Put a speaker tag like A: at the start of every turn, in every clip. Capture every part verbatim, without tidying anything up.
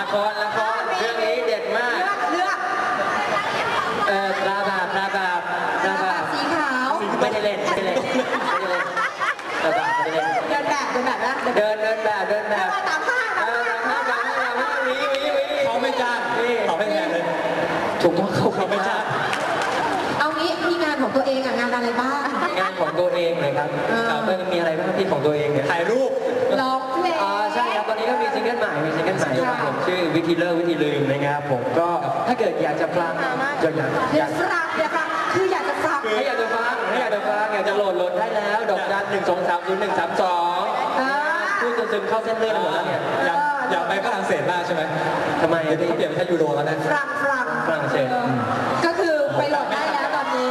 A: ครละครเรื่องนี้เด็ดมาก
B: เลือกเลือก
A: เอ่อตราบาปตราบาปตราบาป
B: สีขาว
A: ไม่ได้เล่นไม่ได้เล่นไม่ได้เล่นตราบาปไม่ได้เล่น
B: เดินแบบเดินแบบนะ
A: เดินเดินแบบเดินแบบ
B: ตามผ้าตามผ้า
A: ตามผ้าตามผ้าวิวิวิ
C: เขาไม่จ้างเขาไม่แพงเลย
A: ถูกต้องเขา
C: เขาไม่จ้าง
B: เอางี้มีงานของตัวเองอะงานอะไรบ้าง
A: งานของตัวเองเลยครับมันมีอะไรบ้างที่ของตัวเองเนี่ย
C: ถ่ายรูป
B: ร้องเพลง
A: อ๋อใช่ครับตอนนี้ก็มีซิงเกิลใหม่มีซิงเกิลใหม่ครับผมชื่อวิธีเลิกวิธีลืมนะครับผมก็ถ้าเกิดอยากจะฟังอยากอยาก
B: อยากฟังอยากฟังคืออยากจะฟัง
A: ถ้าอยากจะฟังถ้าอยากจะฟังอยากจะโหลดโหลดได้แล้วดอกจันหนึ่งสองสามศูนย์หนึ่งสามสองพูดจนซึมเข้าเส้นเลือดหมดแล้วเนี่ย
C: อยากอยากไปฝรั่งเศสมากใช่ไหม
A: ทำไม
C: เขาเปลี่ยนเป็นยูโรแล้วนะ
B: ฝรั่งฝรั่ง
A: ฝรั่งเศส
B: ก็คือไปโหลดได้แล้วตอนนี้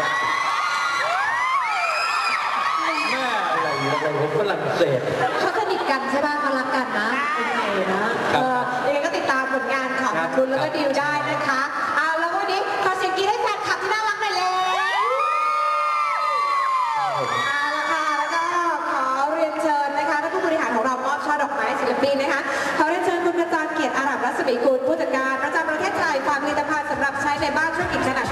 A: แม่อะไรอะไรฝรั่งเศส
B: เขาสนิทกันใช่ป่ะเขารักกันนะโอเคนะเออยังไงก็ติดตามผลงานของคุณแล้วก็ดิวได้นะคะเอาแล้ววันนี้ขอเสียงกรี๊ดให้แฟนคลับที่น่ารักหน่อยเลยเอาละค่ะแล้วก็ขอเรียนเชิญนะคะท่านผู้บริหารของเรามอบช่อดอกไม้ศิลปินนะคะขอเรียนเชิญคุณกระจรเกียรติอาหรับรัศมีกุลผู้จัดการประจำประเทศไทยฝากผลิตภัณฑ์สำหรับใช้ในบ้านธุรกิจขนาด